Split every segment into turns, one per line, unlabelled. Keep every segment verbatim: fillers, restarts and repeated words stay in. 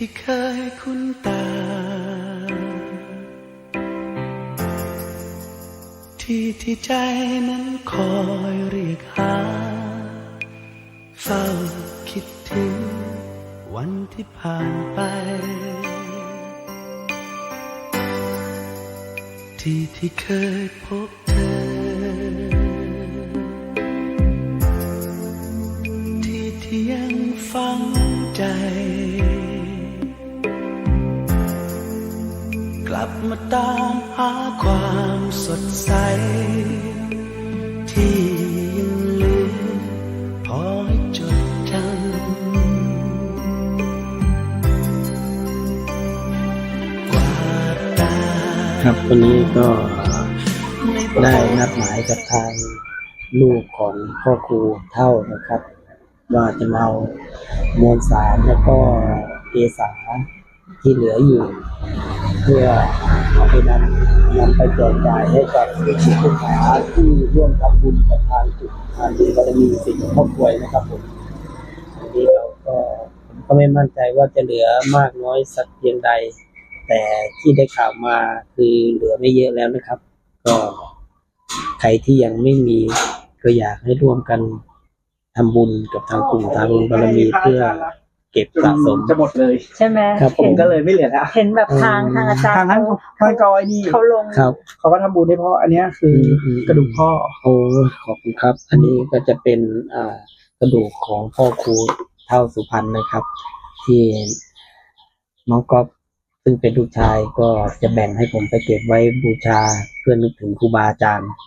ที่เคยคุ้นตาที่ที่ใจนั้นคอยเรียกหาเฝ้าคิดถึงวันที่ผ่านไปที่ที่เคยพบเธอที่ที่ยังฝังใจกลับมาตามหาความสดใสที่ยังลืมพอให้จดจำกวาดตา
ครับวันนี้ก็ได้นัดหมายกับทางลูกของพ่อครูเท่านะครับว่าจะมาเอามวลสารแล้วก็เกสาที่เหลืออยู่เพื่อเอาไปนำนำไปแจกจ่ายให้กับลูกศิษย์ลูกหาที่ร่วมทำบุญกับทางจุดทางบุญบารมีสิ่งครอบครัวนะครับผมวันนี้เราก็ผมก็ไม่มั่นใจว่าจะเหลือมากน้อยสักเพียงใดแต่ที่ได้ข่าวมาคือเหลือไม่เยอะแล้วนะครับก็ใครที่ยังไม่มีก็อยากให้ร่วมกันทำบุญกับทางกลุ่มทางบุญบารมีเพื่อเก็บสะสม
จะหมดเลย
ใช่ไหม
ครับผมก็เลยไม่เหลือแล้ว
เห็นแบบทางทางอาจารย์
ทางท่านท่านกอยนี่
เขาลง
ครับ
เขาก็ทำบุญให้พ่ออันนี้คือกระดูกพ่อ
โอ้ขอบคุณครับอันนี้ก็จะเป็นอ่ากระดูกของพ่อครูเท่าสุพรรณนะครับที่น้องก๊อฟซึ่งเป็นลูกชายก็จะแบ่งให้ผมไปเก็บไว้บูชาเพื่อนึกถึงครูบาอาจารย์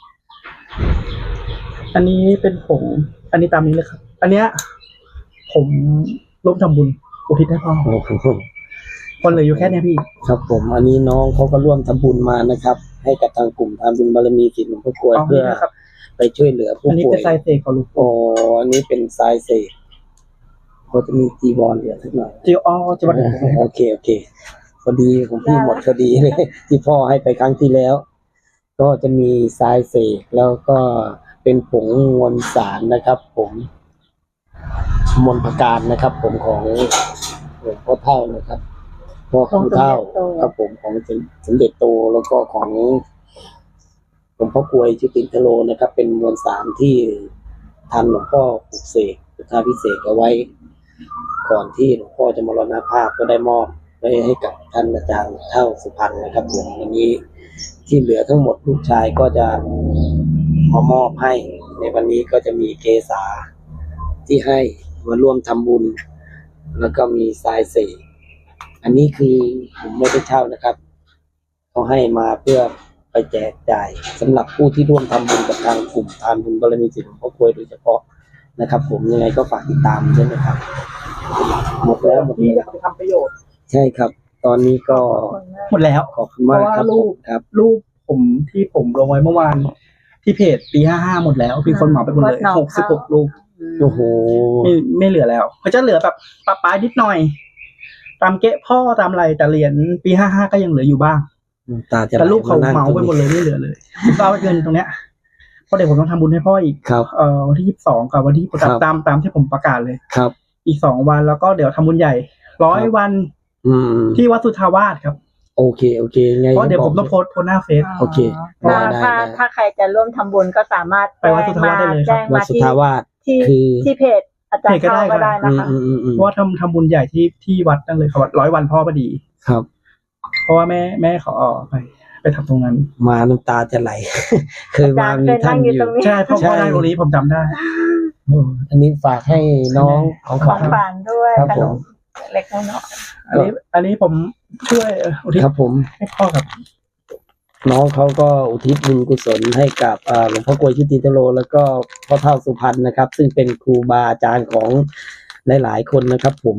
อันนี้เป็นผงอันนี้ตามนี้เลยครับอันเนี้ยผมร่วมทำบุญอุทิศให้พ่อ
โอ้โห
คนเหลืออยู่แค่นี้พี่
ครับผมอันนี้น้องเขาก็ร่วมทำบุญมานะครับให้กับทางกลุ่มทำบุญบารมีศิษย์หลวงพ่อกลวยเพื่อไปช่วยเหลือผู้ป่วย
อันนี้เป็นสายเสกของหลวง
ปู่อันนี้เป็นสายเสกเขาจะมีจีวรเหลือสักหน่อย
จีอ๋อจีวร
โอเคโอเคพอดีของพี่หมดพอดีเลยที่พ่อให้ไปครั้งที่แล้วก็จะมีสายเสกแล้วก็เป็นผงมวลสารนะครับผมมนต์ประการนะครับผมของหลวงพ่อเท่านะครับพ่อครูเท่าครับผมของสมเด็จโตแล้วก็ของหลวงพ่อกลวยชุตินทโลนะครับเป็นมวลสารที่ทันหลวงพ่อปลุกเสกพุทธาพิเศษเอาไว้ก่อนที่หลวงพ่อจะมรณภาพก็ได้มอบไว้ให้กับท่านอาจารย์เท่าสุพรรณนะครับผมวันนี้ที่เหลือทั้งหมดลูกชายก็จะมามอบให้ในวันนี้ก็จะมีเกษาที่ให้มาร่วมทำบุญแล้วก็มีทรายเสกอันนี้คือผมไม่ได้เช่านะครับเขาให้มาเพื่อไปแจกจ่ายสำหรับผู้ที่ร่วมทำบุญกับทางกลุ่มทานบุญบารมีศิษย์หลวงพ่อกลวยโดยเฉพาะนะครับผมยังไงก็ฝากติดตามใช่ไหมครับหมดแล้วหมด
ที่
แล้ว
จะไปทำประโยชน์
ใช่ครับตอนนี้ก็
หมดแล้ว
ขอบคุณมากครับ
รูป
ครับ
รูปผมที่ผมลงไว้เมื่อวานที่เพจปีห้าห้าหมดแล้วมีคนเหมาไปหมดเลยหกสิบหกรูป
โอ้โห
ไม่ไม่เหลือแล้วเขาจะเหลือแบบปะปลายนิดหน่อยตามเกะพ่อตามอะไรแต่เหรียญปีห้าห้าก็ยังเหลืออยู่บ้างแต่รูปเขาเหมาไปหมดเลยไม่เหลือเลยผมก็เอาเงินตรงเนี้ยเพราะเดี๋ยวผมต้องทำบุญให้พ่ออีกเอ่อวันที่ยี่สิบสองกับวันที่ตามตามที่ผมประกาศเลย
ครับ
อีกสองวันแล้วก็เดี๋ยวทำบุญใหญ่ร้อยวันที่วัดสุทธาวาสครับ
โอเคโอเคไง
เพราะเดี๋ยวผมต้องโพสต์โพสหน้าเฟซ
โอเค
ถ้าถ้าถ้าใครจะร่วมทำบุญก็สามารถ
ไปวัดสุทธาวาสได้เลยครับ
วัดสุทธาวาส
ที่ที่เพจอาจารย์เข้าก็ได้นะคะ
เพราะว่าทำทำบุญใหญ่ที่ที่วัดนั่นเลยครับร้อยวันพ่อพอดี
ครับ
เพราะว่าแม่แม่เขาออกไปไปทำตรงนั้น
มาน้ำตาจะไหลเคยมามีท่านอยู่
ใช่พ่อพ่อได้ตรงนี้ผมจำได้
อันนี้ฝากให้น้องของขวัญ
ด้วย
ครับผม
เล็กน้อย
อันนี้อันนี้ผมช่วยอุทิศ
ครับผม
ให้พ่อกับ
น้องเขาก็อุทิศบุญกุศลให้กับหลวงพ่อกลวยชุตินทโลแล้วก็พ่อเท่าสุพรรณนะครับซึ่งเป็นครูบาอาจารย์ของหลายๆคนนะครับผม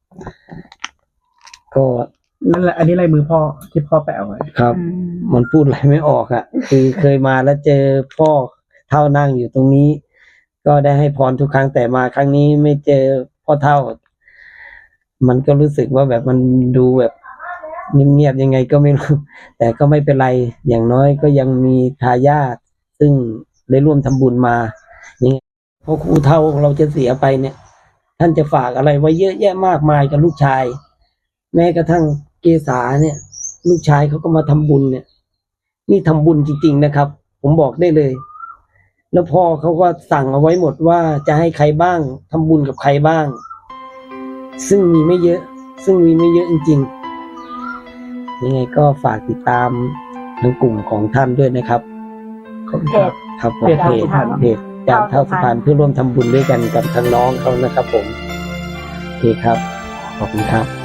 ก็
นั่นแหละอันนี้ลายมือพ่อที่พ่อแปะไว้
ครับมันพูดอะไรไม่ออกอ่ะคือเคยมาแล้วเจอพ่อเท่านั่งอยู่ตรงนี้ก็ได้ให้พรทุกครั้งแต่มาครั้งนี้ไม่เจอพ่อเท่ามันก็รู้สึกว่าแบบมันดูแบบเงียบๆยังไงก็ไม่รู้แต่ก็ไม่เป็นไรอย่างน้อยก็ยังมีทายาทซึ่งได้ร่วมทำบุญมาอย่างเงี้ยพอครูเท่าเราจะเสียไปเนี่ยท่านจะฝากอะไรไว้เยอะแยะมากมายกับลูกชายแม้กระทั่งเกษาเนี่ย ลูกชายเขาก็มาทำบุญเนี่ย นี่ทำบุญจริงๆนะครับ ผมบอกได้เลย แล้วพ่อเขาก็สั่งเอาไว้หมดว่าจะให้ใครบ้างทำบุญกับใครบ้าง ซึ่งมีไม่เยอะ ซึ่งมีไม่เยอะจริงๆยังไงก็ฝากติดตามทางกลุ่มของท่านด้วยนะครับ
เพจ
ครับผม
เพจ
เพจ
สุพรรณ
เพจจานเท่าสุพรรณเพื่อร่วมทำบุญด้วยกันกับทางน้องเขานะครับผมโอเคครับขอบคุณครับ